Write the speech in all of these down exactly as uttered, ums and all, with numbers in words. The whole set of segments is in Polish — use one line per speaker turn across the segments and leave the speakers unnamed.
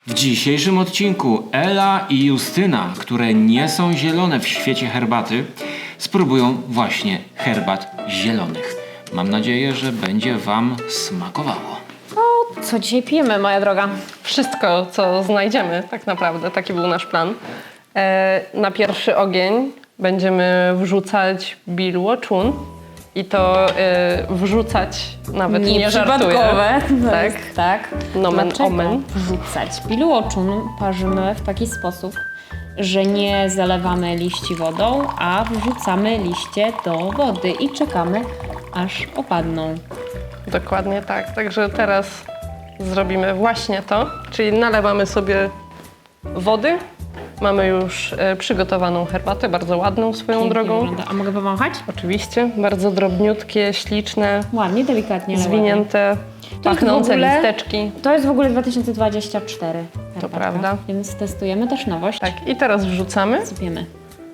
W dzisiejszym odcinku Ela i Justyna, które nie są zielone w świecie herbaty, spróbują właśnie herbat zielonych. Mam nadzieję, że będzie wam smakowało.
O, co dzisiaj pijemy, moja droga?
Wszystko, co znajdziemy tak naprawdę. Taki był nasz plan. E, na pierwszy ogień będziemy wrzucać bilłoczun i to e, wrzucać nawet nie żartuję.
Nieprzypadkowe. To
Tak.
jest, tak.
Nomen
Dlaczego
omen.
wrzucać? Bilłoczun parzymy w taki sposób, że nie zalewamy liści wodą, a wrzucamy liście do wody i czekamy, aż opadną.
Dokładnie tak. Także teraz zrobimy właśnie to, czyli nalewamy sobie wody. Mamy już e, przygotowaną herbatę, bardzo ładną swoją
Pięknie
drogą.
wygląda. A mogę pomachać?
Oczywiście, bardzo drobniutkie, śliczne,
Ładnie, delikatnie. ale
zwinięte,
jest
pachnące
w ogóle-
listeczki.
ładnie. To jest w ogóle dwa tysiące dwudziesty czwarty. herbatka,
prawda.
Więc testujemy też nowość.
Tak, i teraz wrzucamy.
Sypiemy.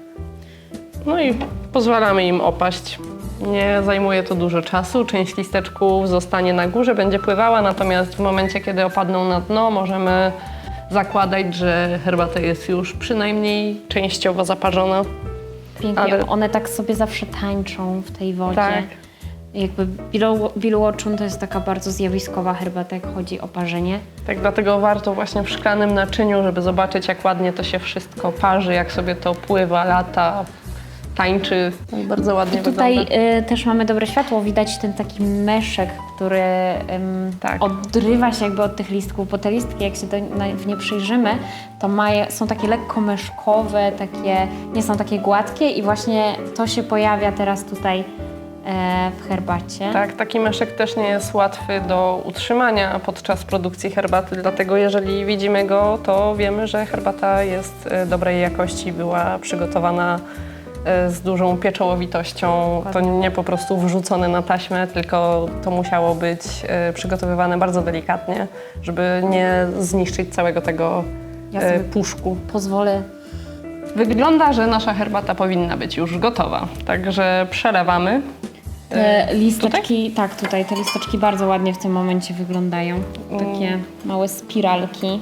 No i pozwalamy im opaść. Nie zajmuje to dużo czasu. Część listeczków zostanie na górze, będzie pływała, natomiast w momencie, kiedy opadną na dno, możemy zakładać, że herbata jest już przynajmniej częściowo zaparzona.
Pięknie.
Ale-
One tak sobie zawsze tańczą w tej wodzie.
Tak.
Jakby bilłoczun to jest taka bardzo zjawiskowa herbata, jak chodzi o parzenie.
Tak, dlatego warto właśnie w szklanym naczyniu, żeby zobaczyć, jak ładnie to się wszystko parzy, jak sobie to pływa, lata, tańczy. Tak bardzo ładnie
I tutaj
wygląda.
y, też mamy dobre światło, widać ten taki meszek, który ym,
Tak.
odrywa się jakby od tych listków, bo te listki, jak się do, na, w nie przyjrzymy, to maje, są takie lekko meszkowe, takie, nie są takie gładkie i właśnie to się pojawia teraz tutaj e, w herbacie.
Tak, taki meszek też nie jest łatwy do utrzymania podczas produkcji herbaty, dlatego jeżeli widzimy go, to wiemy, że herbata jest e, dobrej jakości, była przygotowana e, z dużą pieczołowitością. To nie po prostu wrzucone na taśmę, tylko to musiało być e, przygotowywane bardzo delikatnie, żeby nie zniszczyć całego tego
Ja
e,
sobie
puszku.
Pozwolę.
Wygląda, że nasza herbata powinna być już gotowa, także przelewamy.
Te listeczki, tak, tutaj te listeczki bardzo ładnie w tym momencie wyglądają. Takie małe spiralki.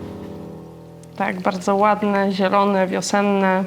Tak, bardzo ładne, zielone, wiosenne.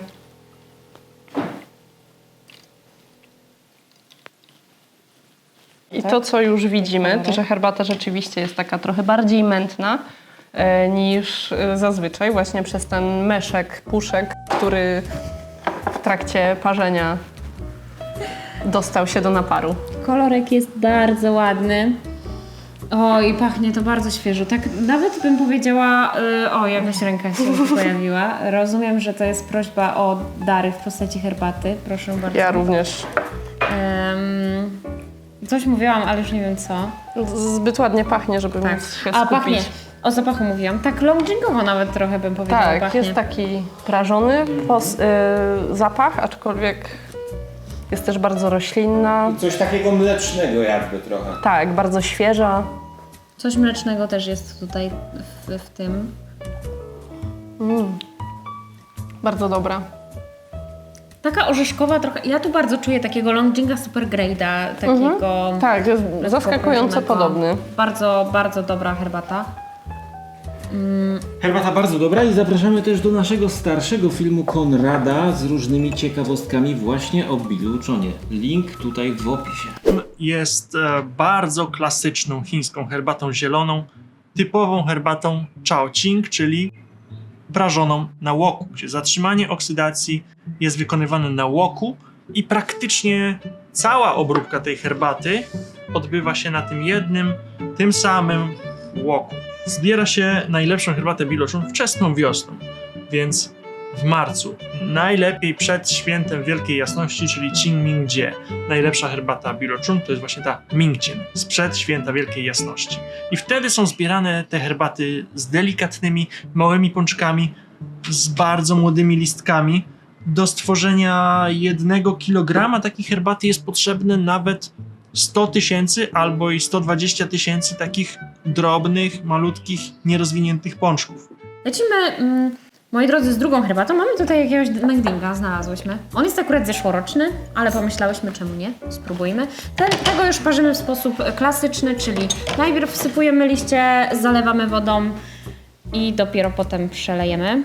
I to, co już widzimy, to że herbata rzeczywiście jest taka trochę bardziej mętna e, niż e, zazwyczaj, właśnie przez ten meszek, puszek, który w trakcie parzenia dostał się do naparu.
Kolorek jest bardzo ładny. O, i pachnie to bardzo świeżo. Tak nawet bym powiedziała, y, o, jakaś ręka się tu pojawiła. Rozumiem, że to jest prośba o dary w postaci herbaty. Proszę bardzo.
Ja również.
Em, coś mówiłam, ale już nie wiem co.
Zbyt ładnie pachnie, żeby
Tak.
móc się
A,
skupić.
pachnie. O zapachu mówiłam. Tak longdringowo nawet trochę bym powiedziała,
Tak,
pachnie.
jest taki prażony pos, y, zapach, aczkolwiek jest też bardzo roślinna.
Coś takiego mlecznego jakby trochę.
Tak, bardzo świeża.
Coś mlecznego też jest tutaj w, w tym.
Bardzo dobra.
Taka orzeszkowa trochę. Ja tu bardzo czuję takiego Longdringa Super Grade'a, takiego
Tak, jest zaskakująco
lekko
podobny.
Bardzo, bardzo dobra herbata.
Herbata bardzo dobra i zapraszamy też do naszego starszego filmu Konrada z różnymi ciekawostkami właśnie o bilłochunie. Link tutaj w opisie.
Jest e, bardzo klasyczną chińską herbatą zieloną, typową herbatą Chao-Ching, czyli prażoną na łoku, gdzie zatrzymanie oksydacji jest wykonywane na łoku i praktycznie cała obróbka tej herbaty odbywa się na tym jednym, tym samym łoku. Zbiera się najlepszą herbatę bilłochun wczesną wiosną, więc w marcu. Najlepiej przed świętem Wielkiej Jasności, czyli Qingming-Jie. Najlepsza herbata bilłochun to jest właśnie ta Mingjian, sprzed święta Wielkiej Jasności. I wtedy są zbierane te herbaty z delikatnymi, małymi pączkami, z bardzo młodymi listkami. Do stworzenia jednego kilograma takiej herbaty jest potrzebne nawet sto tysięcy albo i sto dwadzieścia tysięcy takich drobnych, malutkich, nierozwiniętych pączków.
Lecimy, mm, moi drodzy, z drugą herbatą. Mamy tutaj jakiegoś Longdringa, znalazłyśmy. On jest akurat zeszłoroczny, ale pomyślałyśmy, czemu nie? Spróbujmy. Ten, tego już parzymy w sposób klasyczny, czyli najpierw wsypujemy liście, zalewamy wodą i dopiero potem przelejemy.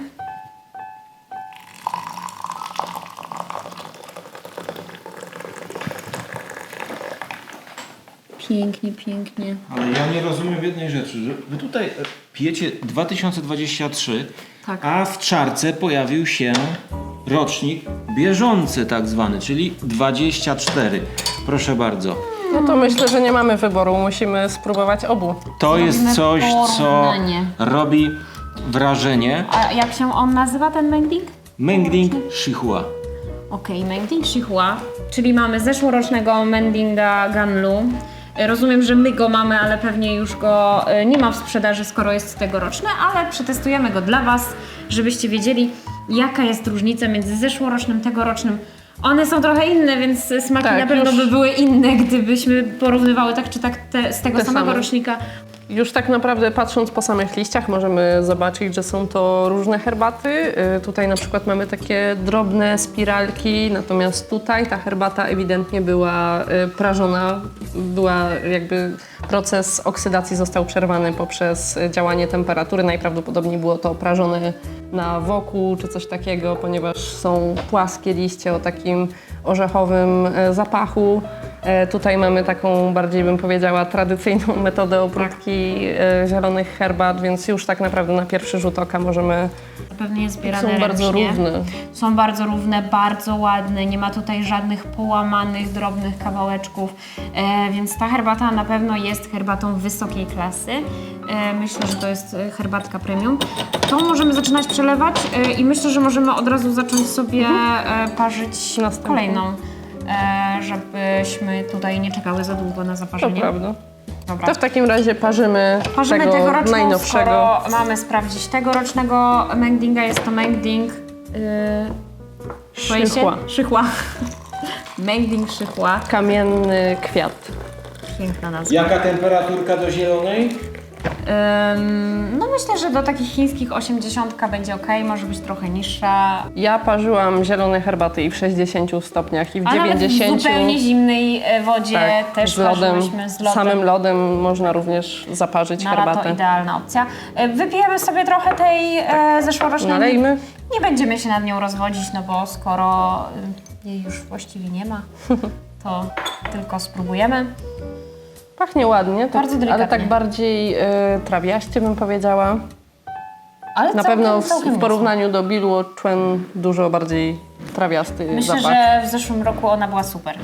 Pięknie, pięknie.
Ale ja nie rozumiem jednej rzeczy, że wy tutaj pijecie dwa tysiące dwudziesty trzeci,
Tak.
a w czarce pojawił się rocznik bieżący tak zwany, czyli dwadzieścia cztery. Proszę bardzo.
No to myślę, że nie mamy wyboru, musimy spróbować obu.
To
Zrobimy
jest coś, co
porównanie.
robi wrażenie.
A jak się on nazywa, ten mending?
Mengding Shihua.
Okej, okay, Mending Shihua, czyli mamy zeszłorocznego Mendinga Ganlu. Rozumiem, że my go mamy, ale pewnie już go e, nie ma w sprzedaży, skoro jest tegoroczny, ale przetestujemy go dla Was, żebyście wiedzieli, jaka jest różnica między zeszłorocznym, tegorocznym. One są trochę inne, więc smaki
Tak,
na pewno
już-
by były inne, gdybyśmy porównywały tak czy tak te, z tego
Te
samego
same.
rocznika.
Już tak naprawdę patrząc po samych liściach możemy zobaczyć, że są to różne herbaty. Y, Tutaj na przykład mamy takie drobne spiralki, natomiast tutaj ta herbata ewidentnie była y, prażona. Była jakby proces oksydacji został przerwany poprzez y, działanie temperatury. Najprawdopodobniej było to prażone na wokół czy coś takiego, ponieważ są płaskie liście o takim orzechowym y, zapachu. E, Tutaj mamy taką bardziej, bym powiedziała, tradycyjną metodę obróbki e, zielonych herbat, więc już tak naprawdę na pierwszy rzut oka możemy...
Pewnie zbierane
Są bardzo
ręcznie.
równe.
Są bardzo równe, bardzo ładne, nie ma tutaj żadnych połamanych, drobnych kawałeczków, e, więc ta herbata na pewno jest herbatą wysokiej klasy. E, myślę, że to jest e, herbatka premium. To możemy zaczynać przelewać e, i myślę, że możemy od razu zacząć sobie e, parzyć
Następną.
kolejną, e, żebyśmy tutaj nie czekały za długo na
To
zaparzenie.
prawda.
Dobra.
To w takim razie parzymy,
Parzymy
tego
tegoroczną,
najnowszego.
skoro mamy sprawdzić tegorocznego Mengdinga. Jest to Mengding... Yy, boję się?
Szychła.
Szychła. Mengding Szychła.
Kamienny kwiat.
Piękna nazwa.
Jaka temperaturka do zielonej?
Ym, no myślę, że do takich chińskich osiemdziesiątka będzie ok, może być trochę niższa.
Ja parzyłam zielone herbaty i w sześćdziesięciu stopniach i w
A nawet w
dziewięćdziesięciu.
zupełnie zimnej e, wodzie
Tak,
też
z lodem,
parzyłyśmy z lodem.
samym lodem można również zaparzyć
Na lato
herbatę.
idealna opcja. E, Wypijemy sobie trochę tej e, zeszłorocznej.
Nalejmy.
Nie będziemy się nad nią rozwodzić, no bo skoro y, jej już właściwie nie ma, to tylko spróbujemy.
Pachnie ładnie, tak,
Bardzo delikatnie.
ale tak bardziej y, trawiaście bym powiedziała.
Ale
Na
całkiem,
pewno w,
całkiem
w
niezłe.
porównaniu do Bilu czułem dużo bardziej trawiasty
Myślę,
zapach.
że w zeszłym roku ona była super.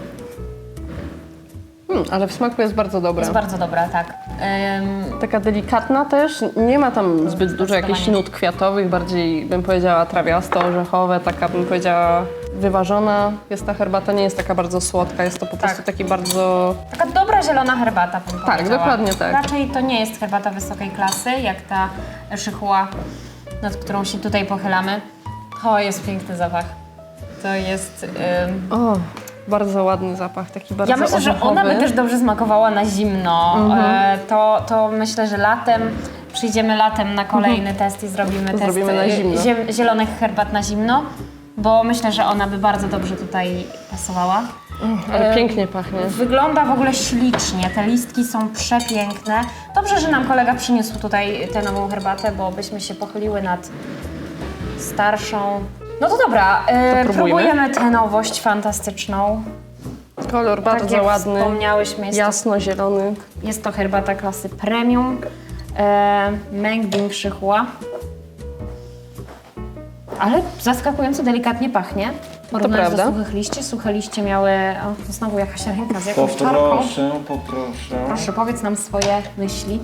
Hmm, ale w smaku jest bardzo dobra.
Jest bardzo dobra, tak. Ym,
Taka delikatna też, nie ma tam zbyt dużo jakichś
zdecydowanie.
nut kwiatowych, bardziej bym powiedziała trawiasto-orzechowe, taka bym powiedziała wyważona. Jest ta herbata, nie jest taka bardzo słodka, jest to po prostu taki bardzo...
taka dobra zielona herbata, bym
Tak,
powiedziała.
dokładnie tak.
Raczej to nie jest herbata wysokiej klasy, jak ta szychła, nad którą się tutaj pochylamy. O, jest piękny zapach. To jest... Ym,
O, bardzo ładny zapach, taki bardzo
Ja myślę, że
orzechowy.
ona by też dobrze smakowała na zimno. E, to, to myślę, że latem, przyjdziemy latem na kolejny test i zrobimy test
Zrobimy na
e,
zimno.
ziem- zielonych herbat na zimno, bo myślę, że ona by bardzo dobrze tutaj pasowała.
Ale
e,
pięknie pachnie.
Wygląda w ogóle ślicznie, te listki są przepiękne. Dobrze, że nam kolega przyniósł tutaj tę nową herbatę, bo byśmy się pochyliły nad starszą. No to dobra, e,
To próbujmy.
próbujemy tę nowość fantastyczną.
Kolor bardzo
tak jak
ładny,
wspomniałyśmy, jest to
jasno-zielony.
Jest to herbata klasy premium, e, Mengding Szychła. Ale zaskakująco delikatnie pachnie. Porównując do
prawda.
suchych liści. Suche liście miały... O, znowu jakaś ręka z jakąś czarką.
Poproszę, poproszę.
Proszę, powiedz nam swoje myśli.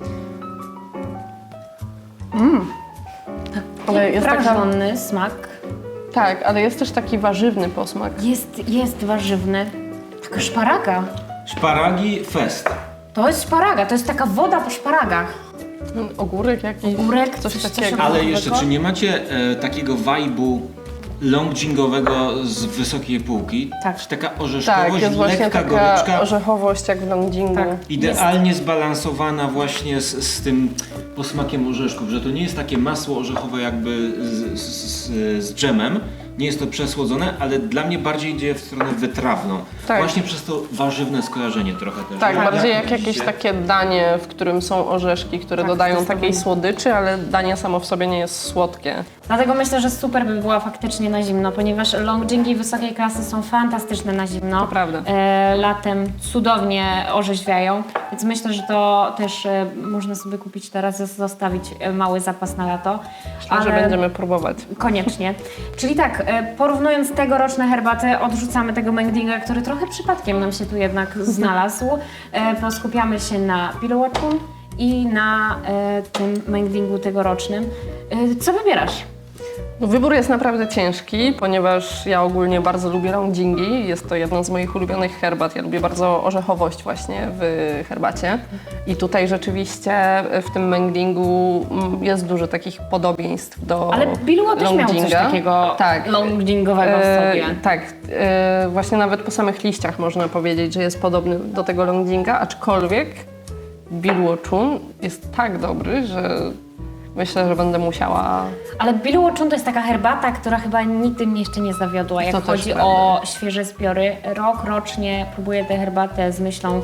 Ale jest taka,
Prażony smak.
tak, ale jest też taki warzywny posmak.
Jest, jest warzywny. Taka szparaga.
Szparagi fest.
To jest szparaga, to jest taka woda po szparagach.
Ogórek jakiś,
Ogórek,
coś
coś- coś
takiego.
takiego.
Ale jeszcze, czy nie macie e, takiego vibe'u longdingowego z wysokiej półki?
Tak.
Czy taka
Tak,
orzeszkowość,
jest właśnie
lekka
taka
goryczka,
orzechowość jak w longdingu.
Tak.
idealnie zbalansowana właśnie z, z tym posmakiem orzeszków, że to nie jest takie masło orzechowe jakby z, z, z, z dżemem, nie jest to przesłodzone, ale dla mnie bardziej idzie w stronę wytrawną.
Tak.
Właśnie przez to warzywne skojarzenie trochę też.
Tak, bardziej jak
widzicie?
jakieś takie danie, w którym są orzeszki, które
Tak,
dodają
zdecydowanie.
takiej słodyczy, ale danie samo w sobie nie jest słodkie.
Dlatego myślę, że super by była faktycznie na zimno, ponieważ longdringi wysokiej klasy są fantastyczne na zimno.
To prawda.
E, latem cudownie orzeźwiają, więc myślę, że to też e, można sobie kupić teraz, zostawić e, mały zapas na lato.
Myślę, że będziemy próbować.
Koniecznie. Czyli tak, e, porównując tegoroczne herbaty, odrzucamy tego Mengdinga, który trochę przypadkiem nam się tu jednak znalazł. E, poskupiamy się na Billowatchun i na e, tym Mengdingu tegorocznym. E, co wybierasz?
No, wybór jest naprawdę ciężki, ponieważ ja ogólnie bardzo lubię longdingi. Jest to jedna z moich ulubionych herbat. Ja lubię bardzo orzechowość właśnie w herbacie. I tutaj rzeczywiście w tym Mengdingu mm, jest dużo takich podobieństw do
Ale Bilło też miał coś
longdinga.
takiego
Tak.
longdingowego w
E,
sobie.
tak, e, właśnie nawet po samych liściach można powiedzieć, że jest podobny do tego longdinga, aczkolwiek Billowatchun jest tak dobry, że myślę, że będę musiała...
Ale Billowatchun to jest taka herbata, która chyba nigdy mnie jeszcze nie zawiodła, jak
To też
chodzi
prawda.
o świeże zbiory. Rok rocznie próbuję tę herbatę z myślą,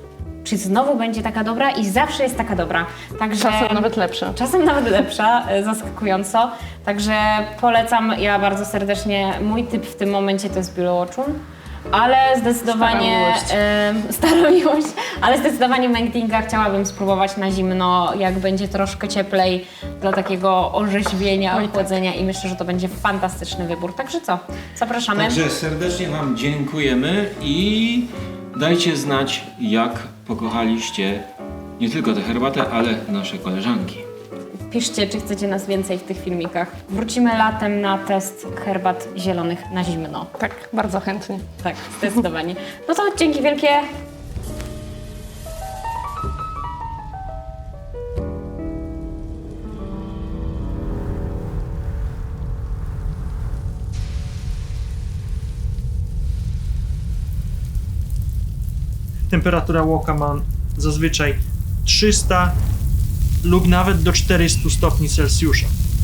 czy znowu będzie taka dobra i zawsze jest taka dobra. Także
Czasem nawet lepsze.
Czasem nawet lepsza, e, zaskakująco. Także polecam ja bardzo serdecznie. Mój typ w tym momencie to jest Billowatchun. Ale zdecydowanie
Stara miłość.
e, stara miłość, ale zdecydowanie Mengdinga chciałabym spróbować na zimno, jak będzie troszkę cieplej, dla takiego orzeźwienia,
Oj, tak.
ochłodzenia i myślę, że to będzie fantastyczny wybór. Także co? Zapraszamy.
Także serdecznie Wam dziękujemy i dajcie znać, jak pokochaliście nie tylko tę herbatę, ale nasze koleżanki.
Piszcie, czy chcecie nas więcej w tych filmikach. Wrócimy latem na test herbat zielonych na zimno.
Tak, bardzo chętnie.
Tak, zdecydowanie. No to dzięki wielkie.
Temperatura łoka ma zazwyczaj trzysta lub nawet do czterystu stopni Celsjusza.